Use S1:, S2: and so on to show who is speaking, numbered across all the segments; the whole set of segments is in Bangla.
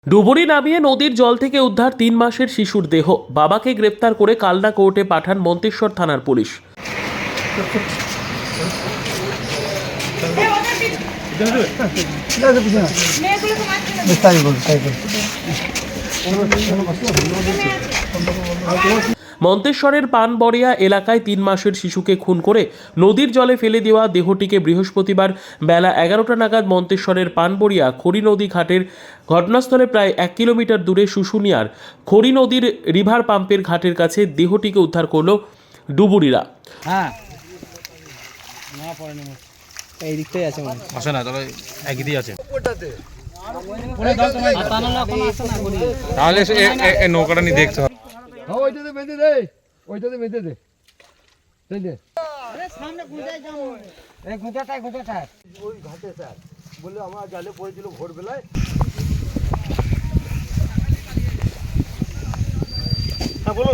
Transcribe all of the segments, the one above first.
S1: ডুবুরি নামিয়ে নদীর জল থেকে উদ্ধার ৩ মাসের শিশুর দেহ। বাবাকে গ্রেপ্তার করে কালনা কোর্টে পাঠান মন্তেশ্বর থানার পুলিশ। মন্তেশ্বরের পানবড়িয়া এলাকায় ৩ মাসের শিশুকে খুন করে নদীর জলে ফেলে দেওয়া দেহটিকে বৃহস্পতিবার বেলা ১১টা নাগাদ মন্তেশ্বরের পানবড়িয়া খড়ি নদী ঘাটের ঘটনাস্থলে প্রায় ১ কিলোমিটার দূরে শুশুনিয়ার খড়ি নদীর রিভার পাম্পের ঘাটের কাছে দেহটিকে উদ্ধার করল ডুবুরিরা।
S2: এই দিকটাই আছে মানে
S3: আসে না তবে একই দিয়ে আছে তাহলে নৌকাটা নিয়ে দেখতে হবে।
S4: ওইটাতে বেঁধে দে, ওইটাতে বেঁধে দে, তাই দে।
S2: সামনে গুঁজায় যাও, এই গুঁজাটাই
S4: ওই ঘাটে স্যার বলে আমরা জালে পড়েছিল ভোরবেলায়। হ্যাঁ বলুন।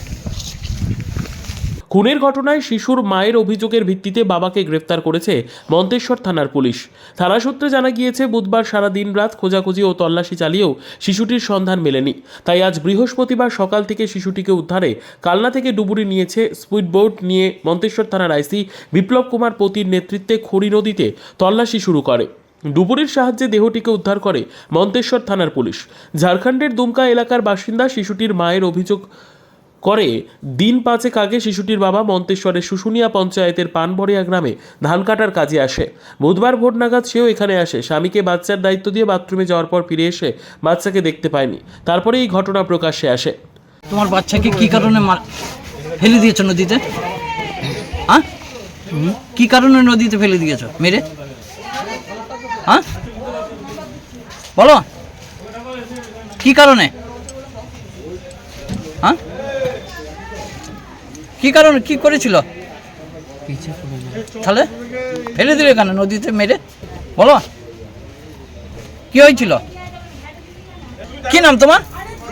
S1: খুনের ঘটনায় শিশুর মায়ের অভিযোগের ভিত্তিতে বাবাকে গ্রেফতার করেছে মন্তেশ্বর থানার পুলিশ। থানা সূত্রে জানা গিয়েছে বুধবার সারা দিন রাত খোঁজাখুঁজি ও তল্লাশি চালিয়েও শিশুটির সন্ধান মেলেনি। তাই আজ বৃহস্পতিবার সকাল থেকে শিশুটিকে উদ্ধারে কালনা থেকে ডুবুরি নিয়েছে স্পিডবোট নিয়ে মন্তেশ্বর থানার আইসি বিপ্লব কুমার পতির নেতৃত্বে খড়ি নদীতে তল্লাশি শুরু করে। ডুবুরির সাহায্যে দেহটিকে উদ্ধার করে মন্তেশ্বর থানার পুলিশ। ঝাড়খণ্ডের দুমকা এলাকার বাসিন্দা শিশুটির মায়ের অভিযোগ করে দিন ৫ আগে শিশুটির বাবা মন্তেশ্বরের শুশুনিয়া পঞ্চায়েতের পানবড়িয়া গ্রামে ধান কাটার কাজে আসে। বুধবার ভোর নাগাদ সেও এখানে আসে। স্বামীকে বাচ্চার দায়িত্ব দিয়ে বাথরুমে যাওয়ার পর ফিরে এসে বাচ্চাকে দেখতে পায়নি। তারপরে এই ঘটনা প্রকাশ্যে আসে।
S2: তোমার বাচ্চাকে কি কারণে ফেলে দিয়েছো নদীতে? হ্যাঁ, কি কারণে নদীতে ফেলে দিয়েছো মেরে? হ্যাঁ বলো, কি কারণে? হ্যাঁ কি কারণে, কি করেছিল? তাহলে ফেলে দিলে কেন নদীতে মেরে? বলো কি হয়েছিল? কি নাম তোমার?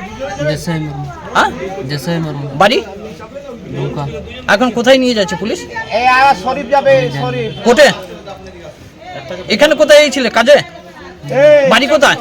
S2: বাড়ি এখন কোথায় নিয়ে যাচ্ছে পুলিশ? কোর্টে। এখানে কোথায় ছিলে কাজে? বাড়ি কোথায়?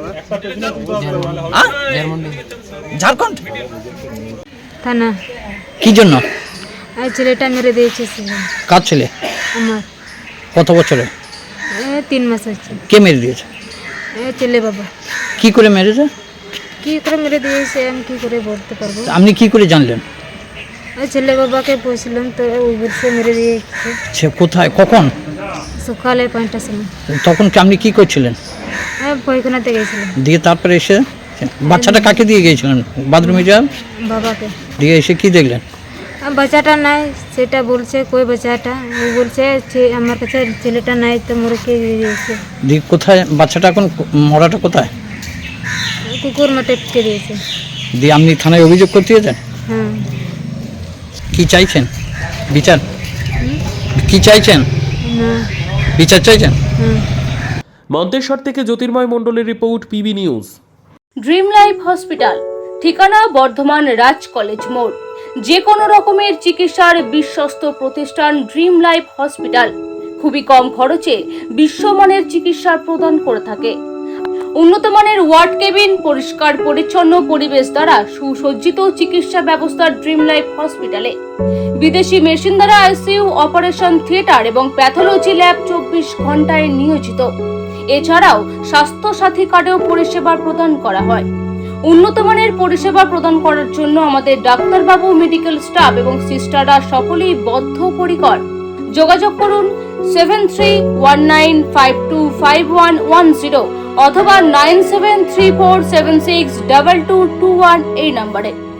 S2: ঝাড়খণ্ড
S5: থানা।
S2: কি জন্য?
S5: ছেলেটা মেরে দিয়েছে।
S2: কার ছেলে?
S5: আমার।
S2: কত বছরে?
S5: 3 মাস আছে।
S2: কে মেরে দিয়েছে?
S5: ছেলে বাবা।
S2: কি করে মেরেছে?
S5: কি করে মেরে দিয়েছে আমি কি করে বলতে পারবো?
S2: আপনি কি করে জানলেন?
S5: ছেলে বাবাকে বলছিলাম তো সে মেরে দিয়েছে।
S2: সে কোথায়, কখন?
S5: সকালে 5টার সময়।
S2: তখন কি আপনি কি করছিলেন?
S5: পায়খানাতে গেছিলাম।
S2: দিয়ে তারপরে এসে বাচ্চাটা কাকে দিয়ে গিয়েছিলেন? বাথরুমে যান
S5: বাবাকে।
S2: দিয়ে এসে কি দেখলেন?
S5: বাচ্চাটা নাই সেটা বলছে। কই বাচ্চাটা? ও বলছে আমার কাছে ছেলেটা নাই তো মরে কে দিয়েছে।
S2: দিয়ে কোথায় বাচ্চাটা? এখন মরাটা কোথায়?
S5: কুকুর মাঠে কে দিয়েছে।
S2: দিয়ে আপনি থানায় অভিযোগ করতে গেছেন?
S5: হ্যাঁ।
S2: কি চাইছেন? বিচার কি চাইছেন?
S5: না।
S2: বিচার চাইছেন?
S5: হ্যাঁ।
S1: মন্তেশ্বর থেকে জ্যোতির্ময় মণ্ডলের report, PB news.
S6: Dream life hospital, ঠিকানা বর্ধমান রাজ কলেজ মোড়। যে কোনো রকমের চিকিৎসার বিশ্বস্ত প্রতিষ্ঠান ড্রিম লাইফ হসপিটাল খুবই কম খরচে বিশ্বমানের চিকিৎসা প্রদান করে থাকে। উন্নত মানের ওয়ার্ড কেবিন, পরিষ্কার পরিচ্ছন্ন পরিবেশ দ্বারা সুসজ্জিত চিকিৎসা ব্যবস্থা ড্রিম লাইফ হসপিটালে। বিদেশি মেশিন দ্বারা আইসিইউ, অপারেশন থিয়েটার এবং প্যাথোলজি ল্যাব 24 ঘন্টায় নিয়োজিত। এছাড়াও স্বাস্থ্য সাথী কার্ডেও পরিষেবা প্রদান করা হয়। উন্নত মানের পরিষেবা প্রদান করার জন্য আমাদের ডাক্তারবাবু, মেডিকেল স্টাফ এবং সিস্টাররা সকলেই বদ্ধপরিকর। যোগাযোগ করুন 7319525110 অথবা 9734762221 এই নম্বরে।